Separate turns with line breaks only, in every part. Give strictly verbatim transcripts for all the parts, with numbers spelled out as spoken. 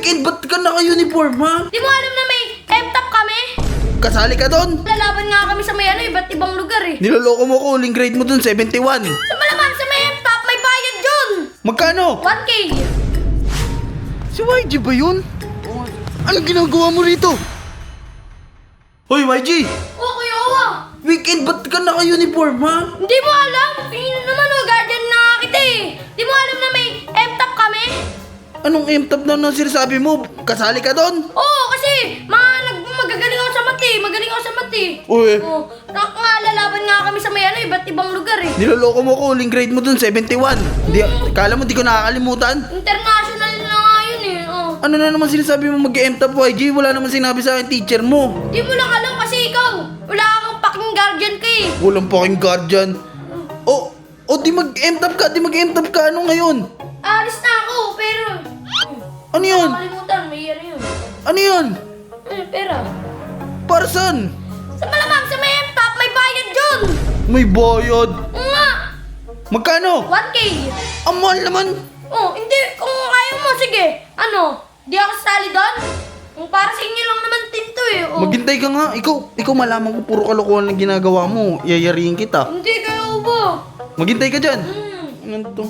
Weekend, ba't ka naka-uniform, ha?
Di mo alam na may M-top kami?
Kasali ka doon?
Lalaban nga kami sa may ano, iba't ibang lugar eh.
Niloloko mo ko, huling grade mo doon, seventy-one.
Sa malamang sa may M-top, may bayad yun!
Magkano?
one K!
Si Y G ba yun? Anong ginagawa mo rito? Hoy, Y G!
Oh, Kuya Owa!
Weekend, ba't ka naka-uniform, ha?
Hindi mo alam? Tingin naman o, guardian na nga kita eh. Di mo alam na may M-top kami?
Anong M-top na nang sinasabi mo? Kasali ka doon?
Oo, kasi mga nag magagaling ako sa mati, magaling ako sa mati.
Uy.
Oo, nak nga lalaban nga kami sa may ano, iba't ibang lugar eh.
Niloloko mo ko, huling grade mo doon, seventy-one. Di, kala mo di ko nakakalimutan?
International na nga yun eh. Oh.
Ano na naman sinasabi mo mag-M-top, Y G? Wala naman sinabi sa akin teacher mo.
Di mo lang alam kasi ikaw, wala kang paking guardian ka eh.
Walang paking guardian. O, o di mag-M-top ka, di mag-M-top ka. Ano ngayon?
Alis na ako, pero...
Ano yun?
Nakalimutan, may ano yun.
Ano yun?
Ano, pera.
Para saan?
Sa malamang, sa may M-top, may bayad yun.
May bayad.
Oo nga,
Magkano?
one K.
Ang mahal naman.
Oh, hindi, kung ayaw mo, sige. Ano, di ako sasali doon? Kung para sa inyo lang naman tinto eh. Oh.
Maghintay ka nga. Ikaw, ikaw malaman ko puro kalokohan ang ginagawa mo. Yayariin kita.
Hindi kayo ba?
Maghintay ka dyan.
Hmm,
Ano to?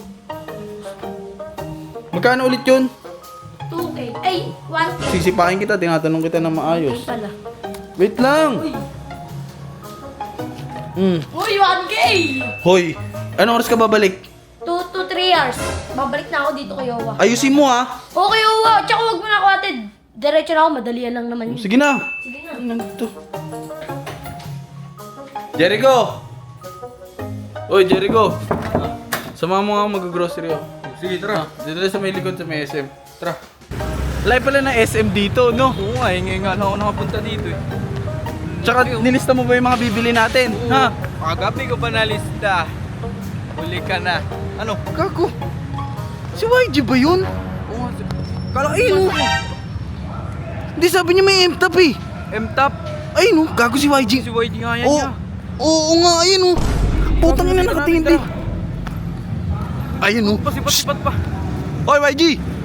Magkano ulit yun?
two K. Ay, one K.
Sisipain kita, tinatanong kita na
Ay
maayos.
pala.
Wait lang. Hmm.
Uy, one K!
Hoy, anong oras ka babalik?
two to three hours. Babalik na ako dito kay Owa.
Ayusin mo ha.
Okay, Owa. Tsaka huwag mo na ako atid. Diretso na ako, madalian lang naman yun.
Sige na.
Sige na.
Ano to? Jericho! Oy, Jericho! Sama mo nga mag-grocery ako.
Sige, tara.
Dito tayo sa may likod sa may S M. Tara. Live pala na S M dito, no?
Oo nga, hingi nga lang ako nakapunta dito eh.
Tsaka nilista mo ba yung mga bibili natin? Ha?
Kagabi ko pa nalista. Huli ka na. Ano?
Kako. Si Y G ba yun?
Oo nga.
Kala ayun. Hindi sabi niya may M-top eh.
M-top.
Ayun oh, gago si Y G.
Si Y D nga yan
Oo.
niya.
Oo nga, ayun oh. Putang ina nakatingin. Ayun oh.
Pasipat-sipat pa.
Hoy Y G!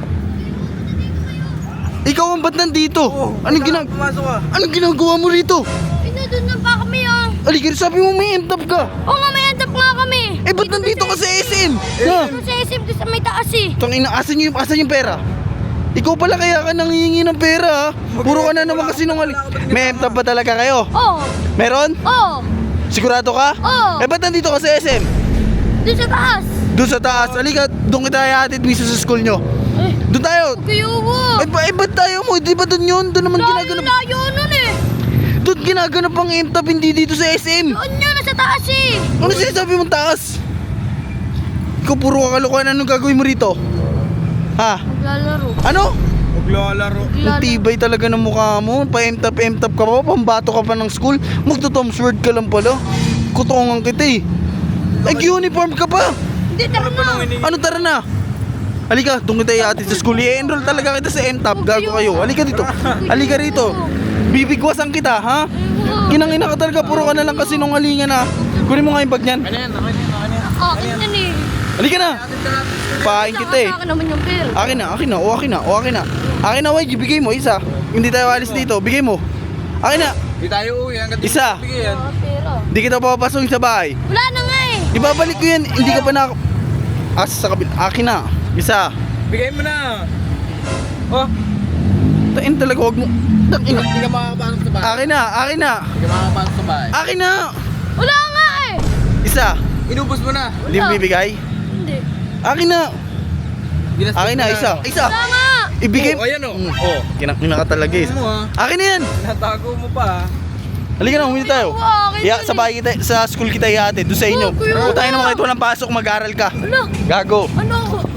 Ikaw ang ba't nandito?
Oo.
Anong, ginag
Pumasok ka.
anong ginagawa mo rito?
Ay, nandun na pa kami ah.
Aligar, sabi mo may M-top ka.
Oo nga, may end up nga kami.
Eh, ba't nandito ka sa S M? Ha?
Dito sa S M, doon sa may taas eh.
Tangina, asan yung, asan yung pera? Ikaw pala kaya ka nangihingi ng pera ha? Puro ka na naman kasi nung may M-top ba talaga kayo?
Oo.
Meron?
Oo.
Sigurado ka?
Oo.
Eh, ba't nandito ka sa S M?
Doon sa taas.
Doon sa taas. Alika, doon kita ihatid mismo sa school nyo.
Eh,
Doon tayo.
Kuya Owa.
Eh, ba, eh, ba't tayo mo? Di ba doon yun? Doon naman
Layo,
ginaganap.
layo nun eh.
Doon ginaganap ang M-top, hindi dito sa S M.
Doon yun, nasa taas eh.
Ano sinasabi mong taas? Ikaw puro kakalokohan. Anong gagawin mo rito? Ha?
Maglalaro.
Ano?
Maglalaro.
Ang tibay talaga ng mukha mo. Pa-M-top, M-top ka pa. Pambato ka pa ng school. Magto-Tom's Word ka lang pala. Kutongan kita eh. Nag-uniform ka pa.
Hindi, tara na.
Ano tara na? Halika, doon kita ihatid sa school. I-enroll talaga kita sa M-top. Gago kayo. Halika dito. Halika rito. Bibigwasan kita, ha? Kinangina ka talaga. Puro ka na lang kasi nung alingan na. Kunin mo nga yung bag niyan.
Ano yan? Ano yan? Ano yan?
Akin yan eh.
Halika na. Pahain kita eh.
Akin naman yung pera.
Akin na, akin na, o akin na, o akin na. Akin na, Y G, bigay mo, isa. Hindi tayo alis dito, bigay mo. Akin na,
Di tayo uwi. Hanggang di
Isa.
ko bigyan.
Ah, pera.
hindi kita papapasok sa bahay.
Wala na nga eh.
Ibabalik ko yan, hindi ka pa na... Asa sa kabil, akin na, isa.
Bigay mo na. Oh.
Tain talaga, wag mo. Tain na.
Hindi ka makakapasok sa bahay.
Akin na, akin na,
Hindi ka makakapasok sa bahay.
akin na.
Wala nga eh.
Isa,
Inubos mo na.
hindi mo bibigay.
Hindi.
Akin na,
Ginastos
akin
mo
na, isa, isa.
Wala nga.
Ibigay
Oh, ayan, oh.
Mm, oh, kinakina ka talaga eh.
Ano mo ha?
Akin na yan.
Natago mo pa ha.
Halika na, huminto tayo.
Oo, akin
Ya,
yun
sa bahay kita, sa school kita ihatid, doon sa inyo.
Oh, kuya.
Kung tayo naman kahit walang pasok, mag-aral ka.
Wala.
Gago.
Ano ako?